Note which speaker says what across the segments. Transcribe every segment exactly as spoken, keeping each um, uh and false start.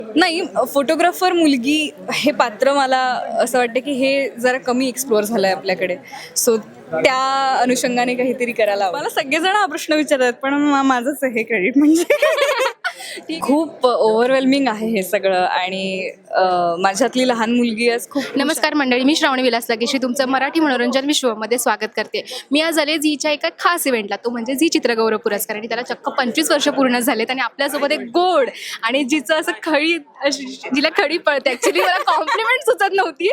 Speaker 1: नाही, फोटोग्राफर मुलगी हे पात्र मला असं वाटतं की हे जरा कमी एक्सप्लोअर झालं आहे आपल्याकडे. सो त्या अनुषंगाने काहीतरी करायला हवं. मला सगळेजण हा प्रश्न विचारतात, पण मा- माझंच हे क्रेडिट म्हणजे खूप ओव्हरवेल्मिंग आहे हे सगळं. आणि अं, माझ्यातली लहान मुलगी आज खूप
Speaker 2: नमस्कार मंडळी, मी श्रावणी विलास लगेशी तुमचं मराठी मनोरंजन विश्वमध्ये स्वागत करते. मी आज आले झीच्या एका खास इव्हेंटला, तो म्हणजे झी चित्रगौरव पुरस्कार. आणि त्याला चक्क पंचवीस वर्ष पूर्ण झालेत आणि आपल्यासोबत एक गोड आणि जिचं असं खळी अशी जिला खडी पळते, ॲक्च्युली मला कॉम्प्लिमेंट सुचत नव्हती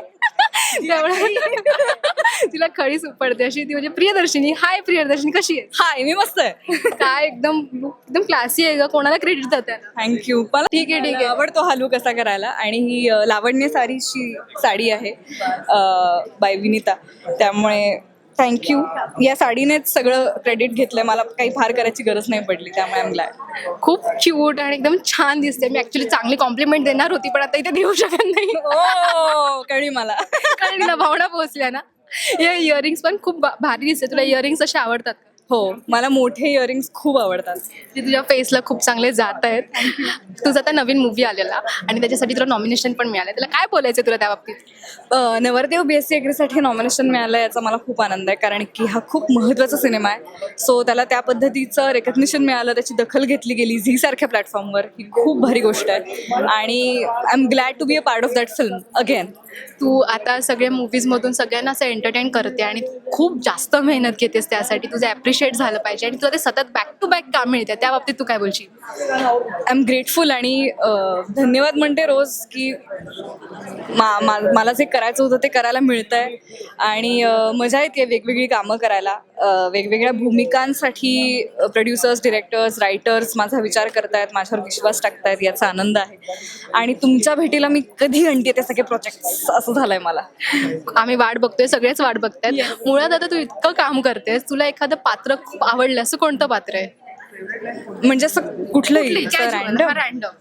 Speaker 2: त्यामुळे तिला खडी पडते अशी ती म्हणजे प्रियदर्शिनी. हाय प्रियदर्शिनी, कशी आहे?
Speaker 1: हाय, मी मस्त आहे.
Speaker 2: काय एकदम एकदम क्लासी आहे ग, कोणाला क्रेडिट जाते?
Speaker 1: थँक्यू. मला
Speaker 2: ठीक आहे ठीक आहे.
Speaker 1: आवडतो हा लूक कसा करायला. आणि ही अ, लावण्य सारीची साडी आहे बाय विनीता, त्यामुळे थँक्यू. या साडीनेच सगळं क्रेडिट घेतलंय, मला काही फार करायची गरज नाही पडली, त्यामुळे आय एम ग्लॅड.
Speaker 2: खूप क्यूट आणि एकदम छान दिसते. मी ऍक्च्युली चांगली कॉम्प्लिमेंट देणार होती, पण आता इथे देऊ शकत नाही.
Speaker 1: ओ कळली मला.
Speaker 2: कारण तिला भावना पोहोचल्या ना. या इयरिंग्स पण खूप भा- भारी दिसते. तुला इयरिंग्स असे आवडतात का?
Speaker 1: हो, मला मोठे इयरिंग्स खूप आवडतात.
Speaker 2: ते तुझ्या फेसला खूप चांगले जात आहेत. तुझा आता नवीन मूवी आलेला आणि त्याच्यासाठी तुला नॉमिनेशन पण मिळालं. त्याला काय बोलायचं तुला त्या बाबतीत?
Speaker 1: अ, नवरदेव बी एस सी ॲग्रीसाठी नॉमिनेशन मिळालं याचा मला खूप आनंद आहे, कारण की हा खूप महत्त्वाचा सिनेमा आहे. सो त्याला त्या पद्धतीचं रेकग्निशन मिळालं, त्याची दखल घेतली गेली झीसारख्या प्लॅटफॉर्मवर, ही खूप भारी गोष्ट आहे. आणि I am glad to be a part of that film again.
Speaker 2: तू आता सगळ्या मूवीजमधून सगळ्यांना असं एंटरटेन करते आणि खूप जास्त मेहनत घेतेस त्यासाठी. तुझं ॲप्रिशिएट झालं पाहिजे आणि तुला ते सतत बॅक टू बॅक काम मिळते. त्या बाबतीत तू काय बोलशील?
Speaker 1: आय एम ग्रेटफुल आणि अ, धन्यवाद म्हणते रोज की मा मा मला जे करायचं होतं ते करायला मिळतं आहे. आणि अ, मजा येते वेगवेगळी कामं करायला. अ, वेगवेगळ्या भूमिकांसाठी प्रोड्युसर्स, डिरेक्टर्स, रायटर्स माझा विचार करतायत, माझ्यावर विश्वास टाकतायत, याचा आनंद आहे. आणि तुमच्या भेटीला मी कधी आणते ते सगळे प्रोजेक्ट्स, असं झालंय मला.
Speaker 2: आम्ही वाट बघतोय, सगळेच वाट बघतायत. मुळात आता तू इतकं काम करतेस, तुला एखादं पात्र खूप आवडलं असं कोणतं पात्र आहे?
Speaker 1: म्हणजे असं कुठलंही असं random?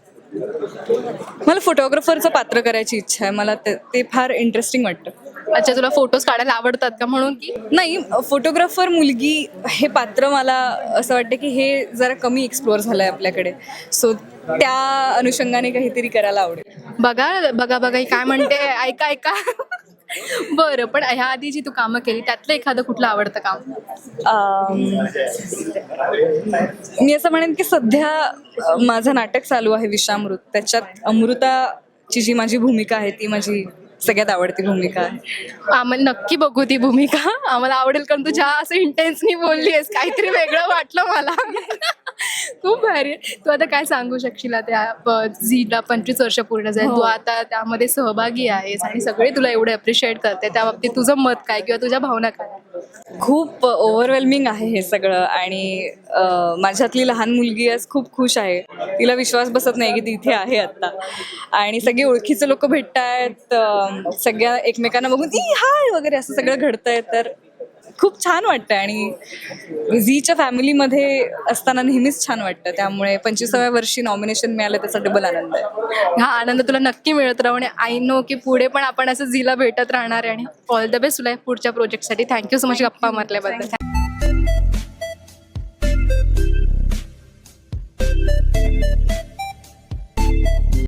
Speaker 2: रॅन्डम.
Speaker 1: मला फोटोग्राफरचं पात्र करायची इच्छा आहे. मला ते ते फार इंटरेस्टिंग वाटतं.
Speaker 2: अच्छा, तुला फोटोज काढायला आवडतात का म्हणून की?
Speaker 1: नाही, फोटोग्राफर मुलगी हे पात्र मला असं वाटतं की हे जरा कमी एक्सप्लोअर झालं आहे आपल्याकडे. सो त्या अनुषंगाने काहीतरी करायला आवडेल.
Speaker 2: बघा बघा बघा ही काय म्हणते, ऐका ऐका. बरं, पण ह्या आधी जी तू कामं केली त्यातलं एखादं कुठलं आवडतं काम?
Speaker 1: अम, मी असं म्हणेन की सध्या अ, माझं नाटक चालू आहे विषामृत. त्याच्यात अमृताची जी माझी भूमिका आहे ती माझी सगळ्यात आवडती भूमिका आहे.
Speaker 2: आम्हाला नक्की बघू ती भूमिका. आम्हाला आवडेल, कारण तू ज्या असं इंटेन्सनी बोलली आहेस, काहीतरी वेगळं वाटलं मला. खूप भारी आहे. तू आता काय सांगू शकशील त्या प- झीला पंचवीस वर्ष पूर्ण झाली, तू आता त्यामध्ये सहभागी आहेस आणि सगळे तुला एवढे अप्रिशिएट करते, त्या बाबतीत तुझं मत काय किंवा तुझ्या भावना काय?
Speaker 1: खूप ओव्हरवेल्मिंग आहे हे सगळं. आणि अ, माझ्यातली लहान मुलगी आज खूप खुश आहे. तिला विश्वास बसत नाही की ती इथे आहे आत्ता. आणि सगळे ओळखीचे लोक भेटत आहेत, सगळ्या एकमेकांना बघून ई हाय वगैरे असं सगळं घडतंय, तर खूप छान वाटतं. आणि झीच्या फॅमिलीमध्ये असताना नेहमीच छान वाटतं, त्यामुळे पंचवीसाव्या वर्षी नॉमिनेशन मिळालं त्याचा डबल आनंद आहे.
Speaker 2: हा आनंद तुला नक्की मिळत राहू आणि आय नो की पुढे पण आपण असं झीला भेटत राहणार आहे. आणि ऑल द बेस्ट तुला पुढच्या प्रोजेक्टसाठी. थँक्यू सो मच गप्पा मारल्याबद्दल.